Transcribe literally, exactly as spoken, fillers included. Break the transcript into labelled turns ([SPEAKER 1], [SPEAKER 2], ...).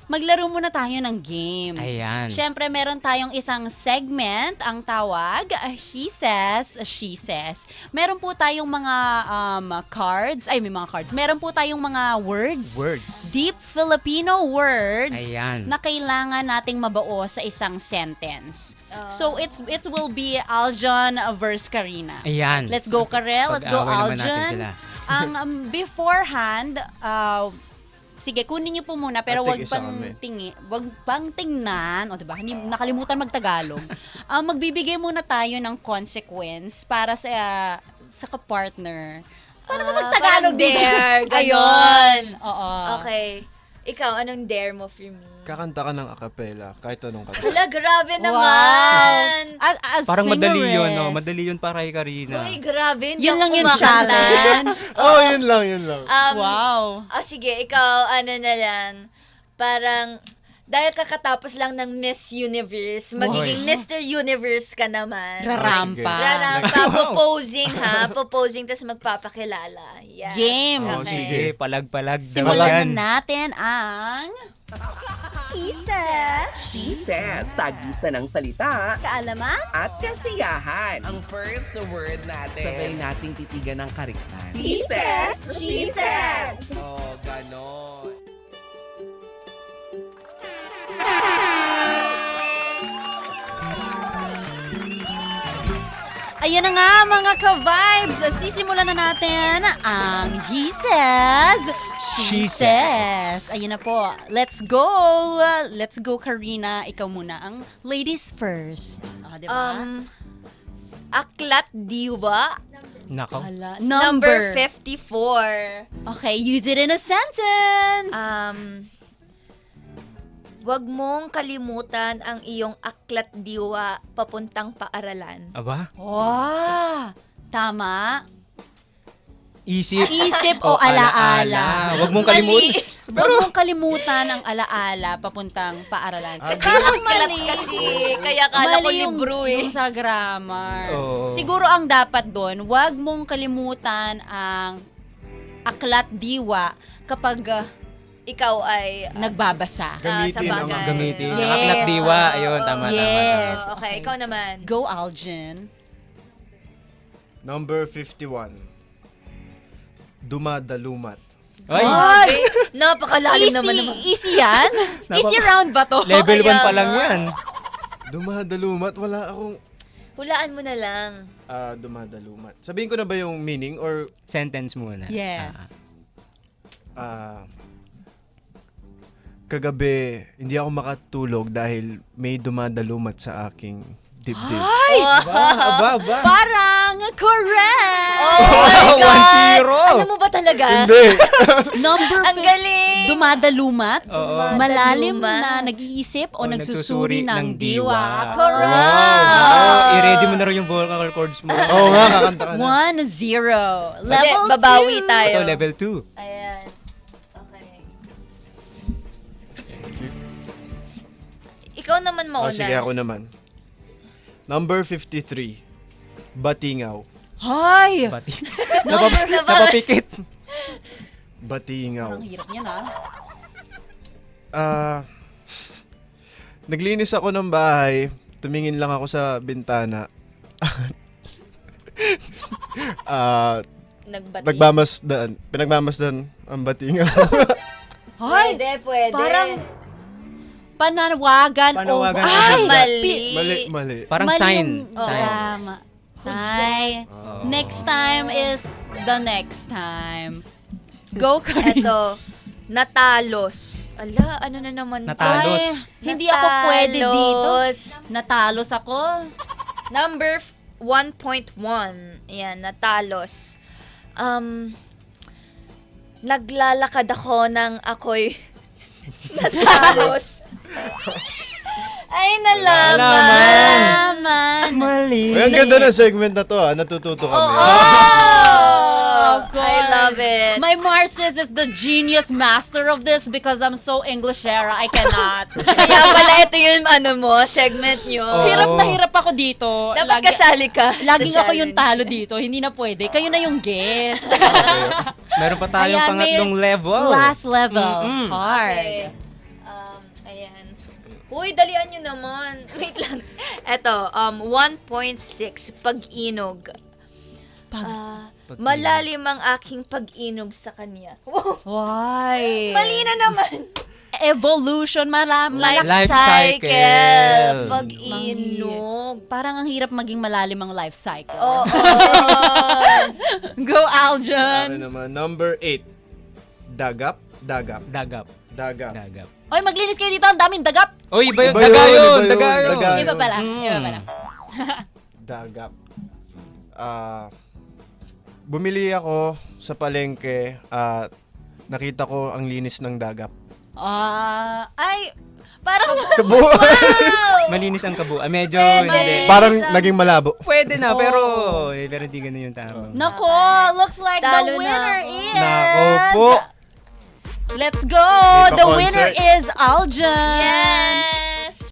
[SPEAKER 1] maglaro muna tayo ng game.
[SPEAKER 2] Ayan.
[SPEAKER 1] Siyempre, meron tayong isang segment, ang tawag, uh, He Says, She Says. Meron po tayong mga um, cards, ay may mga cards. Meron po tayong mga words.
[SPEAKER 2] Words.
[SPEAKER 1] Deep Filipino words
[SPEAKER 2] Ayan.
[SPEAKER 1] na kailangan nating mabuo sa isang sentence. So, it's it will be Aljon versus Karina.
[SPEAKER 2] Ayan.
[SPEAKER 1] Let's go, Karel. Let's go,
[SPEAKER 2] Pag-away naman natin
[SPEAKER 1] Aljon.
[SPEAKER 2] sila.
[SPEAKER 1] Ang um, beforehand, uh, sige, kunin niyo po muna, pero wag
[SPEAKER 3] At tig-isa
[SPEAKER 1] pang
[SPEAKER 3] kami.
[SPEAKER 1] tingi, wag pang tingnan, o diba? Hindi nakalimutan magtagalog. Ang magbibigay muna tayo ng consequence para sa uh, sa kapartner. Para
[SPEAKER 4] Ah,
[SPEAKER 1] magtagalog
[SPEAKER 4] parang
[SPEAKER 1] dito.
[SPEAKER 4] dare, ganon.
[SPEAKER 1] Ayun. Oo.
[SPEAKER 4] Okay. Ikaw, anong dare mo for me?
[SPEAKER 3] Kakanta ka ng acapella, kahit anong kanta.
[SPEAKER 4] Hala, grabe
[SPEAKER 1] Wow.
[SPEAKER 4] naman!
[SPEAKER 1] As, as
[SPEAKER 2] Parang madali
[SPEAKER 1] singeress.
[SPEAKER 2] yun, no? Madali yun para kay Karina.
[SPEAKER 4] Uy, grabe. Hindi
[SPEAKER 1] Yun
[SPEAKER 4] ako
[SPEAKER 1] lang yung
[SPEAKER 4] kumakanta.
[SPEAKER 1] challenge.
[SPEAKER 3] Oh, yun lang, yun lang.
[SPEAKER 4] Um,
[SPEAKER 1] Wow.
[SPEAKER 4] Ah, sige, ikaw, ano na lang, parang, dahil kakatapos lang ng Miss Universe, magiging Mister Universe ka naman.
[SPEAKER 1] Rarampa.
[SPEAKER 4] Rarampa, proposing ha, proposing, tas magpapakilala. Yan.
[SPEAKER 1] Game.
[SPEAKER 3] Oh,
[SPEAKER 4] Okay.
[SPEAKER 3] sige.
[SPEAKER 2] Sige, palag-palag daw
[SPEAKER 1] Simulan
[SPEAKER 2] yan.
[SPEAKER 1] na natin ang
[SPEAKER 5] She says, tagisa ng salita
[SPEAKER 1] kaalaman.
[SPEAKER 5] at kasiyahan.
[SPEAKER 6] Ang first word natin.
[SPEAKER 5] Sabay nating titigan ng kariktan.
[SPEAKER 6] He says, she
[SPEAKER 5] says.
[SPEAKER 6] Oh, ganon.
[SPEAKER 1] Ayan na nga mga ka-vibes, sisimulan na natin ang He Says, She,
[SPEAKER 2] She
[SPEAKER 1] says.
[SPEAKER 2] Says.
[SPEAKER 1] Ayun na po, let's go! Let's go, Karina. Ikaw muna ang ladies first. Ah, diba?
[SPEAKER 4] Um, Aklat Diwa,
[SPEAKER 2] Nako.
[SPEAKER 1] Hala,
[SPEAKER 4] number
[SPEAKER 1] number.
[SPEAKER 4] fifty-four.
[SPEAKER 1] Okay, use it in a sentence.
[SPEAKER 4] Um, wag mong kalimutan ang iyong aklat diwa papuntang paaralan.
[SPEAKER 2] Aba?
[SPEAKER 1] Wow! Tama.
[SPEAKER 2] Isip.
[SPEAKER 1] Isip o alaala.
[SPEAKER 2] Huwag mong
[SPEAKER 4] Mali.
[SPEAKER 2] kalimutan.
[SPEAKER 1] Huwag mong kalimutan ang alaala papuntang paaralan.
[SPEAKER 4] Kasi
[SPEAKER 1] Parang
[SPEAKER 4] aklat
[SPEAKER 1] mali.
[SPEAKER 4] kasi, kaya kala ko
[SPEAKER 1] Mali yung-
[SPEAKER 4] libro eh.
[SPEAKER 1] yung sa grammar.
[SPEAKER 2] Oo.
[SPEAKER 1] Siguro ang dapat doon, huwag mong kalimutan ang aklat diwa kapag uh,
[SPEAKER 4] Ikaw ay... uh,
[SPEAKER 1] nagbabasa.
[SPEAKER 4] ah, sa
[SPEAKER 3] Gamitin ang
[SPEAKER 4] bagay.
[SPEAKER 2] Gamitin.
[SPEAKER 1] Yes.
[SPEAKER 2] Ang aklat diwa. Ayun, tama,
[SPEAKER 1] Yes.
[SPEAKER 2] tama,
[SPEAKER 4] Oh, okay, ikaw naman.
[SPEAKER 1] Go, Algin.
[SPEAKER 3] Number fifty-one. Dumadalumat.
[SPEAKER 2] tama. Ay,
[SPEAKER 4] Ay, napakalalim
[SPEAKER 1] Easy,
[SPEAKER 4] naman naman.
[SPEAKER 1] easy yan? easy round ba to?
[SPEAKER 2] level one
[SPEAKER 4] Kaya
[SPEAKER 2] pa lang
[SPEAKER 4] nga.
[SPEAKER 2] yan.
[SPEAKER 3] Dumadalumat, wala akong
[SPEAKER 4] Hulaan mo na lang.
[SPEAKER 3] ah, dumadalumat. Sabihin ko na ba yung meaning or
[SPEAKER 2] Sentence muna.
[SPEAKER 1] Yes.
[SPEAKER 2] Ah.
[SPEAKER 3] ah, kagabi hindi ako makatulog dahil may dumadalumat sa aking dibdib.
[SPEAKER 2] Aba, aba, aba.
[SPEAKER 1] Parang correct!
[SPEAKER 4] Oh my
[SPEAKER 2] one
[SPEAKER 4] God!
[SPEAKER 2] zero.
[SPEAKER 4] Alam mo ba talaga?
[SPEAKER 3] Hindi!
[SPEAKER 1] Number
[SPEAKER 4] Ang
[SPEAKER 1] fif-
[SPEAKER 4] galing!
[SPEAKER 1] Dumadulumat?
[SPEAKER 2] Oo.
[SPEAKER 1] Malalim
[SPEAKER 4] Dumadulumat.
[SPEAKER 1] na nag-iisip o,
[SPEAKER 2] O
[SPEAKER 1] nagsusuri
[SPEAKER 2] nagsusuri
[SPEAKER 1] ng,
[SPEAKER 2] ng
[SPEAKER 1] diwa.
[SPEAKER 2] diwa.
[SPEAKER 1] Correct!
[SPEAKER 2] Wow. I-ready mo na rin yung vocal cords mo.
[SPEAKER 3] Oo nga, kakanta ka na.
[SPEAKER 1] One, zero.
[SPEAKER 4] Hindi,
[SPEAKER 1] Level
[SPEAKER 4] babawi
[SPEAKER 1] two.
[SPEAKER 4] tayo.
[SPEAKER 2] Ito, level two.
[SPEAKER 4] Ayan. Okay. Ikaw naman
[SPEAKER 3] Oh,
[SPEAKER 4] mauna.
[SPEAKER 3] sige, ako naman. Number fifty-three. Batingaw.
[SPEAKER 1] Hay!
[SPEAKER 2] Pati. Napap- napapikit.
[SPEAKER 3] Batingaw.
[SPEAKER 1] Ang hirap niya na.
[SPEAKER 3] Ah, naglinis ako ng bahay. Tumingin lang ako sa bintana. Ah,
[SPEAKER 4] Nagbati.
[SPEAKER 3] nagmamasdan. Pinagmamasdan ang batingaw.
[SPEAKER 1] Hay!
[SPEAKER 4] Pwede, pwede.
[SPEAKER 1] Parang panawagan,
[SPEAKER 2] Panawagan
[SPEAKER 1] o...
[SPEAKER 2] o
[SPEAKER 1] Ay!
[SPEAKER 2] handa.
[SPEAKER 4] Mali.
[SPEAKER 1] Pi-
[SPEAKER 3] mali, mali.
[SPEAKER 2] Parang
[SPEAKER 1] mali
[SPEAKER 2] sign.
[SPEAKER 1] yung- Oo,
[SPEAKER 2] Sign.
[SPEAKER 1] tama. Ay, next time is the next time. Go, Karina.
[SPEAKER 4] Eto, natalos. Ala, ano na naman to?
[SPEAKER 2] Natalos.
[SPEAKER 1] Ay, hindi ako pwede dito.
[SPEAKER 4] Natalos.
[SPEAKER 1] Natalos ako.
[SPEAKER 4] Number one point one. Ayan, natalos. Um, naglalakad ako ng ako'y natalos. Ay, nalaman.
[SPEAKER 1] Nalaman.
[SPEAKER 2] Mali.
[SPEAKER 3] Ay, ang ganda ng segment na to ah. Natututo kami.
[SPEAKER 1] Oh, of course.
[SPEAKER 4] I love it.
[SPEAKER 1] My Marcis is the genius master of this because I'm so English era. I cannot.
[SPEAKER 4] Kaya pala ito yung ano mo, segment nyo.
[SPEAKER 2] Oh.
[SPEAKER 1] Hirap na hirap ako dito.
[SPEAKER 4] Dapat
[SPEAKER 1] Lagi-
[SPEAKER 4] kasali ka.
[SPEAKER 1] Laging
[SPEAKER 4] sa
[SPEAKER 1] ako yung talo
[SPEAKER 4] challenge.
[SPEAKER 1] dito. Hindi na pwede. Kayo na yung guest.
[SPEAKER 2] Meron pa tayong
[SPEAKER 1] Ayan, may
[SPEAKER 2] pangatlong level.
[SPEAKER 1] Last level.
[SPEAKER 2] Mm-mm.
[SPEAKER 1] Hard.
[SPEAKER 4] Okay. Um, Um, ayan. Uy, dalian nyo naman. Wait lang. Eto, um, one point six, pag-inog.
[SPEAKER 1] Pag-
[SPEAKER 4] Ah,
[SPEAKER 2] Pag-inog.
[SPEAKER 4] malalim ang aking pag-inog sa kanya. Wow.
[SPEAKER 1] Why?
[SPEAKER 4] Mali na naman.
[SPEAKER 1] Evolution, mala-
[SPEAKER 4] Life,
[SPEAKER 1] malak-
[SPEAKER 2] Life
[SPEAKER 4] cycle.
[SPEAKER 2] cycle.
[SPEAKER 4] Pag-inog.
[SPEAKER 1] Parang ang hirap maging malalim ang life cycle.
[SPEAKER 4] Oo.
[SPEAKER 1] Go,
[SPEAKER 3] Ano
[SPEAKER 1] Aljan!
[SPEAKER 3] naman, number eight. Dagap, dagap,
[SPEAKER 2] Dagap.
[SPEAKER 3] dagap.
[SPEAKER 2] Dagap.
[SPEAKER 1] Oy, maglinis kayo dito. Ang daming dagap.
[SPEAKER 2] Oy, iba yun.
[SPEAKER 3] Iba
[SPEAKER 2] Daga
[SPEAKER 3] yun,
[SPEAKER 2] yun.
[SPEAKER 3] iba yun,
[SPEAKER 2] Daga yun.
[SPEAKER 3] daga.
[SPEAKER 1] Iba pala.
[SPEAKER 2] Mm.
[SPEAKER 1] Iba pala.
[SPEAKER 3] Dagap. Ah, bumili ako sa palengke at nakita ko ang linis ng dagap.
[SPEAKER 1] Ah, ay, parang...
[SPEAKER 3] Kabo.
[SPEAKER 2] Malinis ang kabo. Ah, medyo
[SPEAKER 1] Pwede.
[SPEAKER 2] hindi.
[SPEAKER 3] Parang naging malabo.
[SPEAKER 2] Pwede na,
[SPEAKER 1] Oh.
[SPEAKER 2] pero eh, pero hindi ganun yung tama.
[SPEAKER 1] Nako, looks like
[SPEAKER 4] Talo
[SPEAKER 1] the
[SPEAKER 4] na
[SPEAKER 1] winner
[SPEAKER 4] ako.
[SPEAKER 1] is...
[SPEAKER 2] Nako po.
[SPEAKER 1] Let's go!
[SPEAKER 3] May
[SPEAKER 1] The
[SPEAKER 3] pa-concert.
[SPEAKER 1] winner is Aljan!
[SPEAKER 4] Yes!